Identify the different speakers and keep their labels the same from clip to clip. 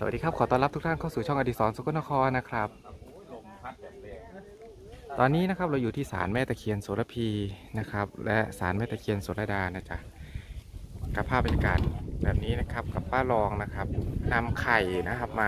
Speaker 1: วัสดีครับขอต้อนรับทุกท่านเข้าสู่ช่องอดิศรสกลนครนะครับตอนนี้นะครับเราอยู่ที่ศาลแม่ตะเคียนโสระพีนะครับและศาลแม่ตะเคียนโสระดานะจ๊ะกับภาพบรรยากาศแบบนี้นะครับกับป้ารองนะครับนำไข่นะครับมา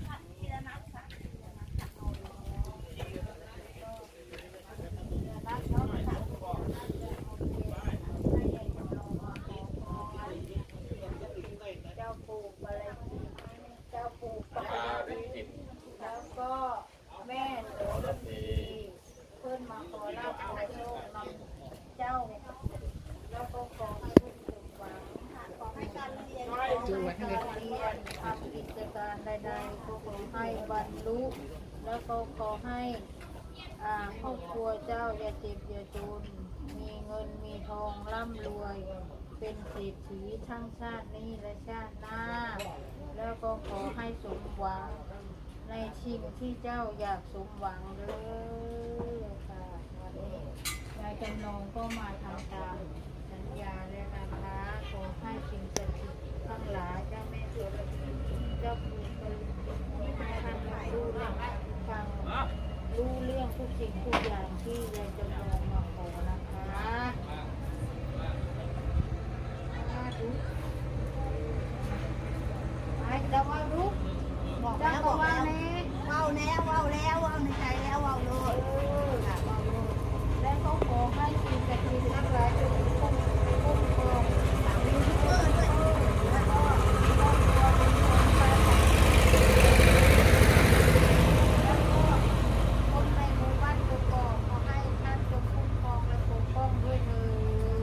Speaker 2: แล้วก็แม่โสระพีเพื่อนมาขอลาบขอโชคนำเจ้าแล้วก็ขอให้ลูกสมหวังขอให้การเรียนทำกิจการใดๆก็ขอให้บรรลุแล้วก็ขอให้ครอบครัวเจ้าอย่าเจ็บอย่าจนมีเงินมีทองร่ำรวยเป็นเศรษฐีทั้งชาตินี้และชาติหน้าแล้วก็ขอให้สมหวังในสิ่งที่เจ้าอยากสมหวังเลยค่ะวันนี้ยายจำลองก็มาทำตามสัญญาและนะคะขอให้สิ่งศักดิ์สิทธิ์ทั้งหลายเจ้าแม่โสระพีเจ้าปู่ปาริจิตให้ท่านรู้เรื่องฟังรู้เรื่องทุกสิ่งทุกอย่างที่ยายจำลองมาขอนะคะไปจะว่ารู้บอกแล้วบอกแล้วว้าวแล้วว้าวแล้วว้าวในใจแล้วว้าวเลยว้าวเลยแล้วก็ขอให้สิ่งศักดิ์สิทธิ์ทั้งหลายจงคุ้มครองยูทูบเบอร์ด้วยแล้วก็ครอบครัวเป็นคนไปแล้วก็คนในหมู่บ้านก็ขอให้ท่านจงคุ้มครองและปกป้องด้วยเถิด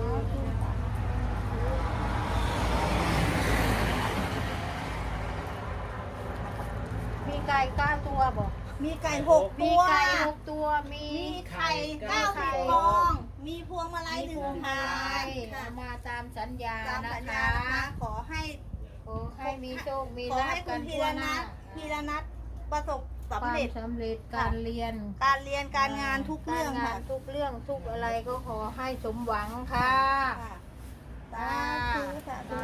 Speaker 2: มีไก่9 ตัวบอก
Speaker 3: มีไก่6
Speaker 2: มี
Speaker 3: ตัว
Speaker 2: ไก่6 ตัวมี
Speaker 3: ไข่90 ฟอง มีพวงมาลัย1 ถาดค่ะ
Speaker 2: มาตามสัญญา
Speaker 3: ตาม
Speaker 2: นะ
Speaker 3: สัญญา
Speaker 2: คะ
Speaker 3: นะคะขอให้
Speaker 2: มีโชคมี
Speaker 3: ขอ
Speaker 2: ลา
Speaker 3: ให้
Speaker 2: ภ
Speaker 3: คุ
Speaker 2: กั
Speaker 3: ณ
Speaker 2: น
Speaker 3: พี
Speaker 2: ทั่ว
Speaker 3: ร
Speaker 2: หน้า
Speaker 3: นัทประสบสำเร็จ
Speaker 2: ความสำเร็จการเรียน
Speaker 3: การเรียนการงานทุกเรื่อง
Speaker 2: การงา
Speaker 3: ค่ะ
Speaker 2: นทุกเรื่องทุกอะไรก็ขอให้สมหวังค่ะ
Speaker 3: สาธุสาธุ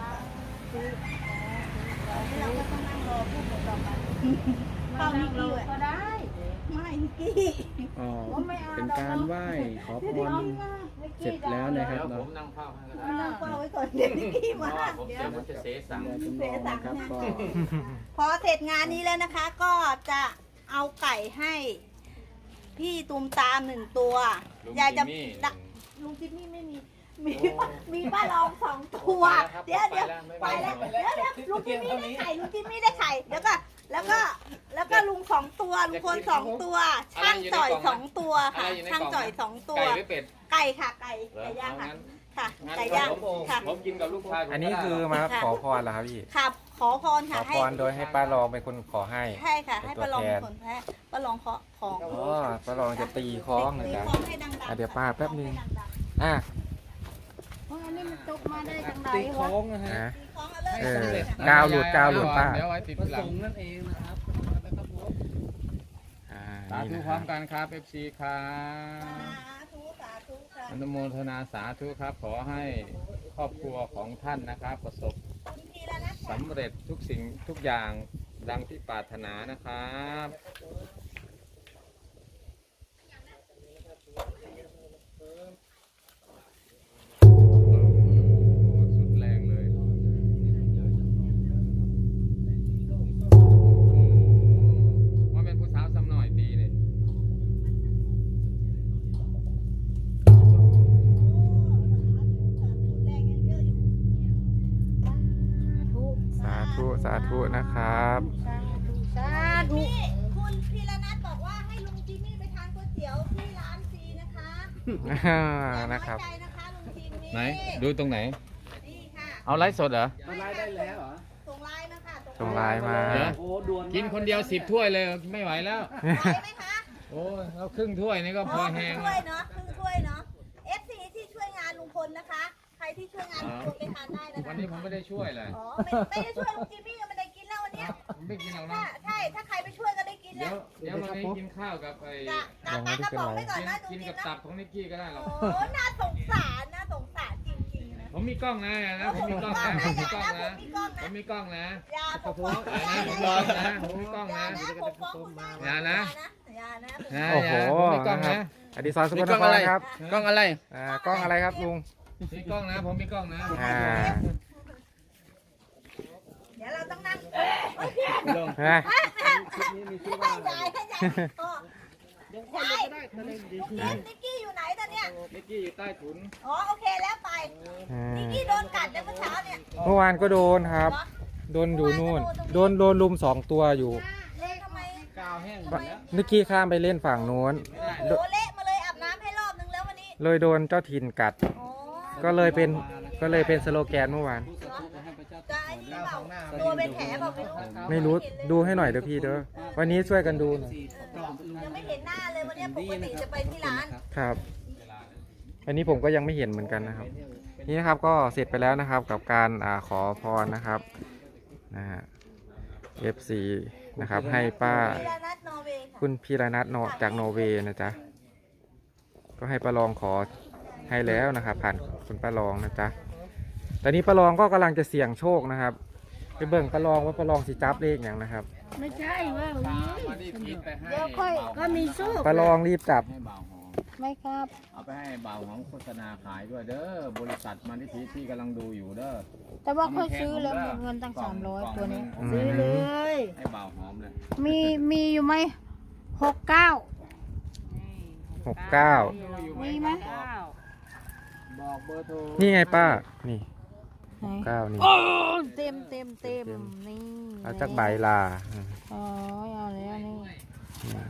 Speaker 3: เราก็ต้องนั่งรอพูดต่อไป
Speaker 2: เข้านิกกี้ก็ได้
Speaker 3: ไม่นิกกี้
Speaker 4: อ๋อเป็นการไหว้ขอพรเสร็จแล้วนะครับ
Speaker 5: ผ
Speaker 4: เนาะ
Speaker 5: มนั่งเฝ้าให้ก็ได้
Speaker 3: นั่งเฝ้าไว้ก่อนเดี๋ยวนิกกี้
Speaker 5: เพ
Speaker 3: มา
Speaker 5: ราะว่าผมเดี๋ยวมันจะเสสั่ง
Speaker 4: เดี๋ยวจำลองนะครับก็
Speaker 3: พอเสร็จงานนี้แล้วนะคะ ก็จะเอาไก่ให้พี่ตูมตาม1 ตัว
Speaker 5: ลุง
Speaker 3: ยายจะ
Speaker 5: จิมมี่
Speaker 3: ลุงจิมมี่ไม่มีมีป้าลอง2 ตัวเดี๋ยวไปแล้วเดี๋ยวลุงจิมมี่ได้ไข่ลุงจิมมี่ได้ไข่แล้วก็ลุง2 ตัวลุงพล2 ตัวช่างจ่อย2 ตัวค่ะช่างจ่อย2 ตัว
Speaker 5: ไก่หรือเป็ด
Speaker 3: ไก่ค่ะไก่ย่างค่ะค่ะไก่ย่างค่ะ
Speaker 5: ผมกินกับลูกชาย
Speaker 1: อันนี้คือมาขอพรเหรอครับพี่
Speaker 3: ค่ะขอพร
Speaker 1: ข
Speaker 3: ค่ะ
Speaker 1: อ
Speaker 3: ให้
Speaker 1: พรโดยให้ป้ารองเป็นคนขอให้
Speaker 3: ใช่ค่ะ ให้
Speaker 1: เป็นตัว
Speaker 3: ป้าลอง
Speaker 1: แท
Speaker 3: เป็น นคนแพ้ป้าลองขอของ
Speaker 1: อ๋อป้ารองจะตีคล้องนะ
Speaker 3: ตี
Speaker 1: จ๊ะ
Speaker 3: ของให้ดังๆ
Speaker 1: เดี๋ยวป้าแป๊บนึง
Speaker 3: ให้ดัง
Speaker 1: อ่ะ
Speaker 2: อันนี้มันตกมาได้จังไหน
Speaker 4: ตีโค้
Speaker 2: วะ
Speaker 4: งนะฮะ
Speaker 1: นะ
Speaker 3: ๆตีของเอาเลย
Speaker 1: เออกาวหลุดป้า
Speaker 5: เดี๋ยวไว้ติด
Speaker 4: ประ
Speaker 5: หลั
Speaker 4: ส
Speaker 5: ง
Speaker 4: งค์นั่นเองนะครับ
Speaker 1: อ่า
Speaker 5: สาธุ
Speaker 1: นี่นะ
Speaker 5: พ
Speaker 1: ค
Speaker 5: ร้อ
Speaker 1: รับ
Speaker 5: มกันครับ FC ครั
Speaker 3: สา
Speaker 5: บ
Speaker 3: ธุสาธุค่ะ
Speaker 5: อนุโมทนาสาธุครับ ขอให้ครอบครัวของท่านนะครับ ประสบ
Speaker 3: คุณพีระนัท
Speaker 5: สำเร็จทุกสิ่งทุกอย่างดังที่ปรารถนานะครับ สุดแรงเลยว่าเป็นผู้สาวสำหน่อยดีเลย
Speaker 3: แรงยังเยอะอยู่
Speaker 1: สาธุนะครับ
Speaker 2: สาธุ
Speaker 3: นี่คุณพีระนัทบอกว่าให้ลุงจิมมี่ไปทานก๋วยเตี๋ยวที่ร้านซีนะคะ อย่าน้
Speaker 1: นะ
Speaker 3: อย
Speaker 1: ครับ
Speaker 3: ใจนะคะลุงจิมมี่
Speaker 5: ไหน ดูตรงไหน
Speaker 3: นี่ค่ะ
Speaker 5: เอาไลฟ์สดเหรอ
Speaker 4: มาไล่ได้แล้วเหรอ
Speaker 3: ส่งไลน์มาค่ะ
Speaker 1: ส่งไลน์มา
Speaker 5: เดี๋ยว
Speaker 4: โอ้ด่วน
Speaker 5: กินคนเดียว10 ถ้วยเลยไม่ไหวแล้ว
Speaker 3: ไหวไหมคะ
Speaker 5: โอ้ยเราครึ่งถ้วยนี่ก็พอแห้ง
Speaker 3: ครึ่งถ้วยเนาะครึ่งถ้วยเนาะ FC ที่ช่วยงานลุงพลนะคะ ใครที่ช่วยงานลุงพลไปทานได้นะคะ
Speaker 5: วันนี้ผมไม่ได้ช่วยเลย
Speaker 3: อ๋อไม่ได้ช่วยลุงจิมมี่ก็ไม่ได้กินแล้ววันเนี้ย
Speaker 5: ผมไม่กินหรอก
Speaker 3: ถ้า
Speaker 5: นะ
Speaker 3: ใช่ถ้าใครไปช่วยก็ได้กิน
Speaker 5: เดี๋
Speaker 3: แล้
Speaker 5: ยว วเดี๋ยววันนี้กินข้าวกับไอ้
Speaker 3: กะปลากระป๋องไปก่อนนะลุง
Speaker 5: กิน
Speaker 3: จิม
Speaker 5: กับ
Speaker 3: นะ
Speaker 5: ตับของนิกกี้ก็ได้หรอก
Speaker 3: โอ้น่าสงสารน่าสงสารจริงๆนะ
Speaker 5: โอ้ผมมีกล้องนะผมมีกล้องนะผมมีกล้องนะ ผมมีกล้องนะ
Speaker 3: อย่าปกป้อง
Speaker 5: ผมมีกล้องนะ
Speaker 3: ปกป้องคุณ
Speaker 5: อย่านะ
Speaker 3: อย่านะ
Speaker 1: โอ้โห
Speaker 5: ผมมีกล้อง
Speaker 1: นะครั
Speaker 5: นะ
Speaker 1: บอดิศรสกลนครครับ
Speaker 4: กล้องอะไร
Speaker 1: กล้องอะไรครับลุง
Speaker 5: มีกล้องนะ ผมมีกล้องนะ
Speaker 1: อ่า
Speaker 3: เดี๋ยวเราต้องนั่ง
Speaker 1: ฮะ
Speaker 3: ให้ยายนิกกี้อยู่ไหนตอนเนี้ย
Speaker 5: นิกกี้อยู่ใต้ถุน
Speaker 3: อ๋อโอเคแล้วไปนิกกี้โดนกัดในเมื่อเช้าเนี่ย
Speaker 1: เมื่อวานก็โดนครับ โดนอยู่นู่น โดนลุม2 ตัวอยู่
Speaker 3: เละทำไม
Speaker 5: กาวแห้งหมดแล้ว
Speaker 1: นิกกี้ข้ามไปเล่นฝั่งโน้น
Speaker 3: โอ้เละมาเลยอาบน้ำให้รอบนึงแล้ววันนี้
Speaker 1: เลยโดนเจ้าถิ่นกัด
Speaker 3: โอ้
Speaker 1: ก็เลยเป็นสโลแกนเมื่อวาน
Speaker 3: จะไอ้นี่เปล่าตัวเป็นแผลเปล่าไม่รู้
Speaker 1: ไม่รู้ดูให้หน่อยเด้อพี่เด้อวันนี้ช่วยกันดูหน่อย
Speaker 3: ยังไม่เห็นหน้าเลยวันนี้ปกติจะไปที่ร้าน
Speaker 1: ครับอันนี้ผมก็ยังไม่เห็นเหมือนกันนะครับ นี่นะครับก็เสร็จไปแล้วนะครับกับการขอพรนะครับนะฮะ FC นะครับให้ป้า
Speaker 3: พีระนัทนอร์เวย์ค่ะ
Speaker 1: คุณพีรนัทจากนอร์เวย์นะจ๊ะก็ให้ป้ารองขอให้แล้วนะครับ ผ่านคุณป้ารองนะจ๊ะตอนนี้ป้ารองก็กำลังจะเสี่ยงโชคนะครับไปเบิ่งป้ารองว่าป้ารองสิจับเลขอย่างนะครับ
Speaker 2: ไม่ใช่ว่า
Speaker 5: มาที่พีทไปให้
Speaker 3: เดี๋ยวค่อย
Speaker 2: ก็มีสู้
Speaker 1: ป้ารองรีบจับ
Speaker 5: ให้บ่าวหอม
Speaker 3: ไม่ครับ
Speaker 5: เอาไปให้บ่าวหอมโฆษณาขายด้วยเด้อบริษัทมาที่พีทที่กำลังดูอยู่เด้อ
Speaker 3: แต่ว่าค่อยซื้อแล้วหมดเงินตั้ง300ตัวนี้
Speaker 1: อืม
Speaker 3: ซื้อเลย
Speaker 5: ให้บ่าวหอมเลย
Speaker 3: มีอยู่ไหม69
Speaker 1: 69
Speaker 3: มีไหม
Speaker 5: บอกเบอร์โทร
Speaker 1: นี่ไงป้านี่
Speaker 3: ไหน
Speaker 1: 9นี่
Speaker 3: โอ้เต็มนี่
Speaker 1: เอาจากใบลา
Speaker 3: อ๋อเอาแล้วนี่
Speaker 1: อืม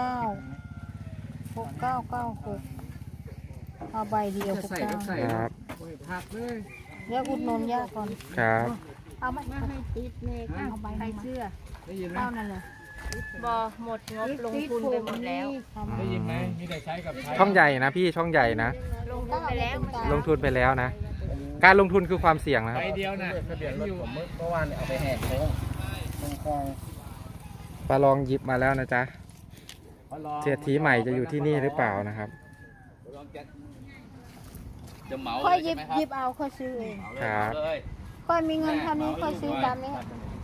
Speaker 3: 69เอาใบเดียว69
Speaker 1: ครับ
Speaker 5: ผักเลย
Speaker 3: เดี๋ยวอุดหนุนย่าก่อน
Speaker 1: ครับ
Speaker 3: เอาไหม
Speaker 2: ให้ติดเมฆ
Speaker 3: เอาใบ
Speaker 2: ใคร
Speaker 3: มา
Speaker 2: เชื่อ
Speaker 5: ได้ยินไหม
Speaker 3: เอานั่นเลย
Speaker 2: บอหมดงบลงทุนไปหมดแล้ว
Speaker 5: ได้ยินไหมมีแต่ใช้กับใช้
Speaker 1: ช่องใหญ่นะพี่ช่องใหญ่นะ
Speaker 2: ลงทุนไปแล้ว
Speaker 1: ลงทุนไปแล้วนะ การลงทุนคือความเสี่ยงนะค
Speaker 5: ใบ
Speaker 1: รับ
Speaker 5: เดียวนะทะเบียนรถผม
Speaker 4: เมื่อวานเอาไปแหกโค้งตรงคลอง
Speaker 1: ป้ารองหยิบมาแล้วนะจ๊ะเศรษฐีใหม่จะอยู่ที่นี่หรือเปล่านะครับ
Speaker 5: จะเหมา
Speaker 3: ค่อยหยิบเอาค่อยซื้อเอง
Speaker 1: ครับ
Speaker 3: ค่อยมีเงินเท่านี้ค่อยซื้อตามนี้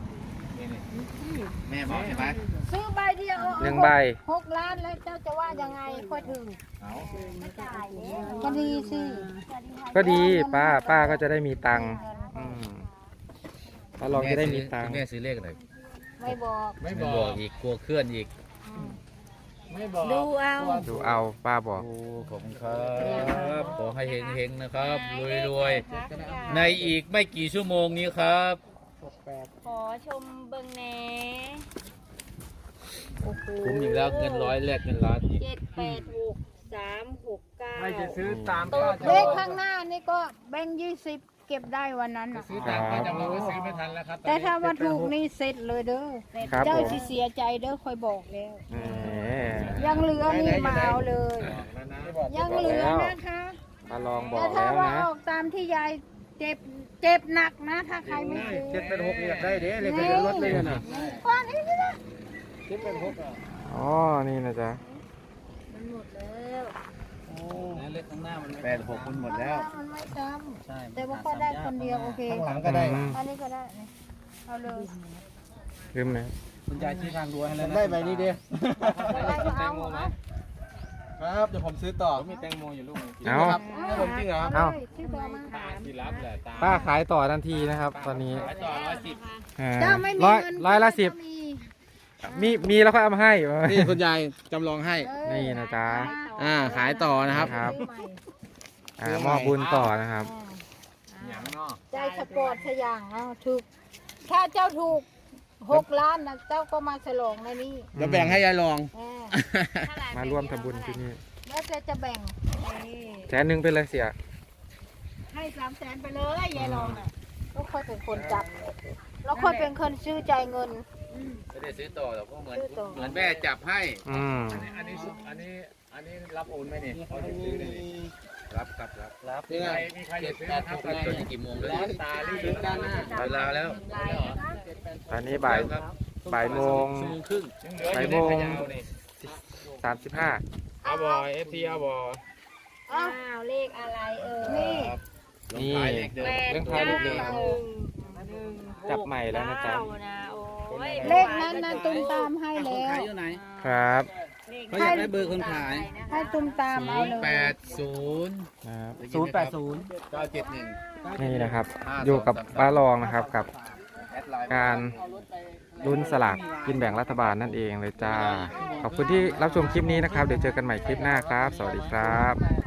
Speaker 5: แม่บอกใช่ไหม
Speaker 3: ซื้อใบเดียว
Speaker 1: 1 ใบ
Speaker 3: 6 ล้านแล้วเจ้าจะว่ายังไงค่อยถึงก็ดีสิ
Speaker 1: ก็ดีป้าก็จะได้มีตังค์อืมป้ารองจะได้มีตังค์
Speaker 4: แม่ซื้อเลขอะไร
Speaker 3: ไม่บอก
Speaker 5: ไม่
Speaker 4: ไม่
Speaker 5: บบ อ
Speaker 4: อก กอีกกลัวเคลื่อนอีก
Speaker 5: ไม่บอก
Speaker 2: ดูเอา
Speaker 1: ดูเอาป้าบอก
Speaker 4: โอ้ขอบคุณครับขอให้เฮงๆนะครับรวยๆในอีกไม่กี่ชั่วโมงนี้ครับ
Speaker 2: ขอชมเบิงแหน่
Speaker 4: คุ้มอีกแล้วเงินร้อยแลกเงินล้านอีก
Speaker 2: 786
Speaker 5: ไม่จะซื้อตาม
Speaker 2: 369
Speaker 5: ป้า
Speaker 3: เลขข้างหน้านี่ก็แบงค์20 เก็บได้วันนั้นน่ะ
Speaker 5: ซื้อตามป้าจำลองก็ซื้อไม่ทันแล้วครับ
Speaker 3: แต่ถ้าว่าถูกนี่เสร็จเลยเด้อ
Speaker 1: ครับ
Speaker 3: เจ้า
Speaker 1: ผม
Speaker 3: สิเสียใจเด้อคอยบอกแล้ว
Speaker 1: แหม
Speaker 3: ยังเหลือนี่มาเอาเลย
Speaker 5: แล้วนะ
Speaker 3: ยังเหลือนะคะ
Speaker 1: ป้ารองบอ
Speaker 3: แต่
Speaker 1: ก
Speaker 3: ถ้า
Speaker 1: แล้ว
Speaker 3: ว่า
Speaker 1: นะ
Speaker 3: ออกตามที่ยายเจ็บหนักนะ ถ้าใครไม่ซื้อ
Speaker 4: 786อยากได้เด้เลขทะเบียนรถเลยนะ
Speaker 3: ก้อนนี้นะ
Speaker 1: อ๋อนี่นะจ๊ะ
Speaker 2: มันหมดแล้ว
Speaker 4: เลขข้างหน้ามัน86มันหมดแล้ว
Speaker 3: มันไม่จ
Speaker 4: ใช่
Speaker 3: ำแต่ว่าก็ได้คนเดียวโอเค
Speaker 4: ข้างหลังก็ได้
Speaker 3: อันนี้ก็ได้นี่เอาเลย
Speaker 1: ลืมนะ
Speaker 4: คุณยายชี้ทางด้วยให้แล้วได้ใบนี้เด้
Speaker 3: อะไรก็เอาเอา
Speaker 4: ครับเดี๋ยวผมซื้อต่อ
Speaker 5: มีแตงโมอยู่ลูกนึง
Speaker 1: เอา
Speaker 4: ให้ผมจริงเหรอ
Speaker 1: เอา
Speaker 3: ที่ตัวมา
Speaker 5: ตาที่รับแหละตา
Speaker 1: ป้าขายต่อทันทีนะครับ ตอนนี้
Speaker 5: ขายต่อ110
Speaker 1: อ่า
Speaker 3: เจ้าไม่มี
Speaker 1: ร้อย
Speaker 3: เงิน
Speaker 1: ร้อยละ10
Speaker 3: ก็มี
Speaker 1: มีแล้วค่อยเอามาให้
Speaker 4: นี่คุณยายจำลองให้
Speaker 1: นี่นะจ๊ะ
Speaker 4: ขายต่อนะครับ
Speaker 1: ครับ
Speaker 3: ซื้อใหม่
Speaker 1: มอบบุญต่อนะครับ
Speaker 5: อย่างเนาะ
Speaker 3: ใจสปอร์ตสอย่างเอาถูก ถ้าเจ้าถูก6 ล้านนะเจ้าก็มาฉลองในนี้
Speaker 4: เดี๋ยวแบ่งให้ยายลอง
Speaker 1: มาร่วมทำบุญที่นี่
Speaker 3: แล้วจะแบ่ง
Speaker 1: 100,000ไปเลยเสีย
Speaker 3: ให้300,000ไปเลยยายรองน่ะแล้วค่อยเป็นคนจับ แล้วค่อยเป็นคนซื้อใจายเงิน
Speaker 4: ไม่ได้ซื้อต่อหรอกเพราะเหมือน
Speaker 3: ซื้อต่อ
Speaker 4: เหมือนแม่จับให้
Speaker 1: อืม
Speaker 5: อันนี้รับโอนไหมเนี่ยเขาจะซื้อเลยนี่
Speaker 4: รับรับ
Speaker 5: มีใครจะซื้อนะครับ
Speaker 4: ตอนนี้กี่โมงแล้ว
Speaker 5: ตาลีซื้อด้านหน้า
Speaker 4: เวลาแล้ว
Speaker 1: ตอนนี้บ่ายโมง
Speaker 4: ชั่วโมงครึ่ง
Speaker 5: ยังเหลืออยู่ในขยาวนี่
Speaker 1: 35
Speaker 5: เอาบอเอฟซีเอาบอ
Speaker 3: อ้า
Speaker 2: อ้าว วเลขอะไรเอ่ย
Speaker 3: นี่
Speaker 1: นี่เรื่องท้ายเลขเดิมจับใหม่แล้วนะจ๊ะ
Speaker 2: เลขนั้นนะตุ้มตามให้แล้ว
Speaker 1: ครับ
Speaker 6: เขาอยากได้เบอร์คนขาย
Speaker 2: ให้ตุ้มตามเอาเลย
Speaker 4: 80
Speaker 1: ครับ
Speaker 4: 971
Speaker 1: นี่นะครับ อยู่กับป้ารองนะครับกับการลุ้นสลากกินแบ่งรัฐบาลนั่นเองเลยจ้า ขอบคุณที่รับชมคลิปนี้นะครับ เดี๋ยวเจอกันใหม่คลิปหน้าครับ สวัสดีครับ